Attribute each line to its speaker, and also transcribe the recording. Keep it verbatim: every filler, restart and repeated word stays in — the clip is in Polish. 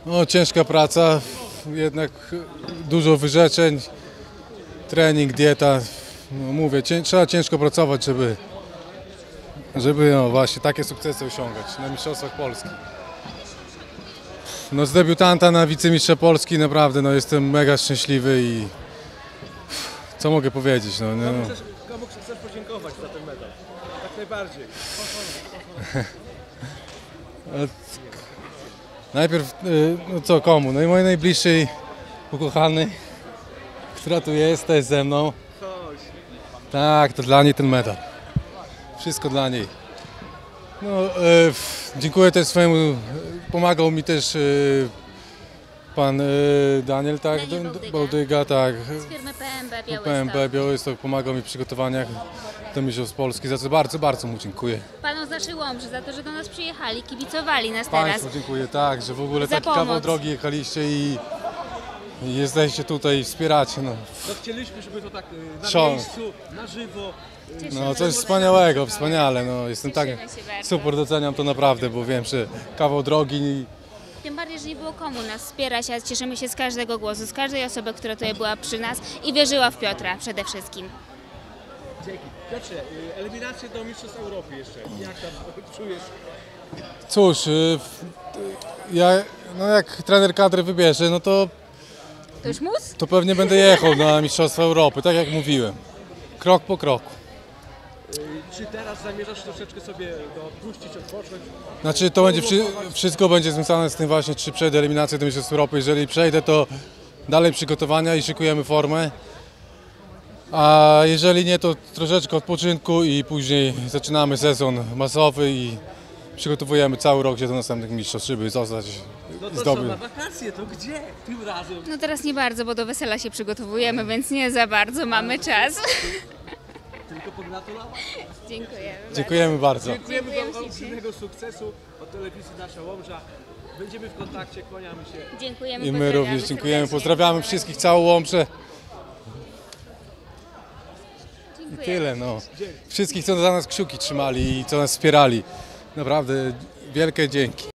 Speaker 1: No, ciężka praca, jednak dużo wyrzeczeń, trening, dieta. No, mówię, cię, trzeba ciężko pracować, żeby, żeby no, właśnie takie sukcesy osiągać na Mistrzostwach Polski. No, z debiutanta na wicemistrza Polski naprawdę no, jestem mega szczęśliwy i co mogę powiedzieć? No, no.
Speaker 2: Komu, chcesz, komu chcesz podziękować za ten medal? Tak najbardziej.
Speaker 1: Najpierw, no co, komu? No i mojej najbliższej ukochanej, która tu jest, jest ze mną.
Speaker 2: Chodź.
Speaker 1: Tak, to dla niej ten medal. Wszystko dla niej. No, e, dziękuję też swojemu, pomagał mi też e, pan e, Daniel, tak?
Speaker 3: Daniel Bałdyga.
Speaker 1: Bałdyga, tak.
Speaker 3: Z firmy P M B Białystok.
Speaker 1: P M B Białystok pomagał mi w przygotowaniach do Mistrzostw Polski, za co bardzo, bardzo mu dziękuję.
Speaker 3: Panu z naszej Łomży za to, że do nas przyjechali, kibicowali nas
Speaker 1: Państwu
Speaker 3: teraz.
Speaker 1: dziękuję, tak, że w ogóle
Speaker 3: Za
Speaker 1: taki kawał
Speaker 3: pomoc.
Speaker 1: drogi jechaliście i, i jesteście tutaj i wspieracie. No.
Speaker 2: No chcieliśmy, żeby to tak y, na
Speaker 1: Szał.
Speaker 2: miejscu, na żywo. y,
Speaker 3: Cieszymy
Speaker 1: No
Speaker 3: się.
Speaker 1: coś wspaniałego, wspaniale, no jestem tak,
Speaker 3: Cieszymy się bardzo.
Speaker 1: super doceniam to naprawdę, bo wiem, że kawał drogi i
Speaker 3: Tym bardziej, że nie było komu nas wspierać, a cieszymy się z każdego głosu, z każdej osoby, która tutaj była przy nas i wierzyła w Piotra przede wszystkim.
Speaker 2: Dzięki. Piotrze, y, eliminacje do Mistrzostw Europy jeszcze. Jak tam czujesz?
Speaker 1: cóż, y, w- ja, no jak trener kadry wybierze, no to,
Speaker 3: To już mus?
Speaker 1: to pewnie będę jechał na Mistrzostwa Europy, tak jak mówiłem, krok po kroku.
Speaker 2: Y, Czy teraz zamierzasz troszeczkę sobie no, odpuścić, odpocząć?
Speaker 1: Znaczy to będzie, wszy- wszystko będzie związane z tym właśnie, czy przejdę eliminację do Mistrzostw Europy. Jeżeli przejdę, to dalej przygotowania i szykujemy formę. A jeżeli nie, to troszeczkę odpoczynku i później zaczynamy sezon masowy i przygotowujemy cały rok się do następnych mistrzostw, żeby zostać
Speaker 2: No to co,
Speaker 1: zdobyć.
Speaker 2: na wakacje, to gdzie tym razem?
Speaker 3: No teraz nie bardzo, bo do wesela się przygotowujemy, więc nie za bardzo mamy czas.
Speaker 2: Tylko pogratulować.
Speaker 3: Dziękujemy.
Speaker 1: Dziękujemy bardzo.
Speaker 2: Dziękujemy
Speaker 3: Dziękujemy
Speaker 2: Wam
Speaker 3: ślicznie.
Speaker 2: olbrzymiego sukcesu od telewizji Nasza Łomża. Będziemy w kontakcie, kłaniamy się.
Speaker 3: Dziękujemy.
Speaker 1: I my
Speaker 3: pozdrawiamy
Speaker 1: również dziękujemy.
Speaker 3: serdecznie.
Speaker 1: Pozdrawiamy wszystkich, całą Łomżę. I
Speaker 3: Dziękujemy.
Speaker 1: tyle, no. Wszystkich, co za nas kciuki trzymali i co nas wspierali. Naprawdę wielkie dzięki.